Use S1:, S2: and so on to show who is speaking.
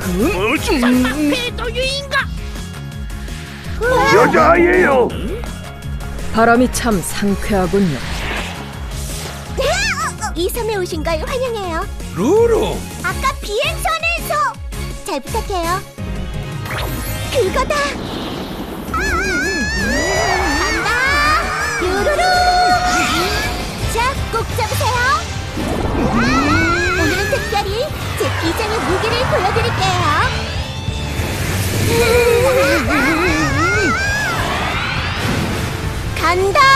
S1: 배도 유인가?
S2: 여자아이예요.
S3: 바람이 참 상쾌하군요.
S4: 이 섬에 오신 걸 환영해요.
S2: 루루.
S4: 아까 비행선에서 잘 부탁해요. 그거다. 간다. 루루루. 자, 꼭 잡으세요. 오늘은 특별히 제 비장의 무기를 보여드릴게요. 간다.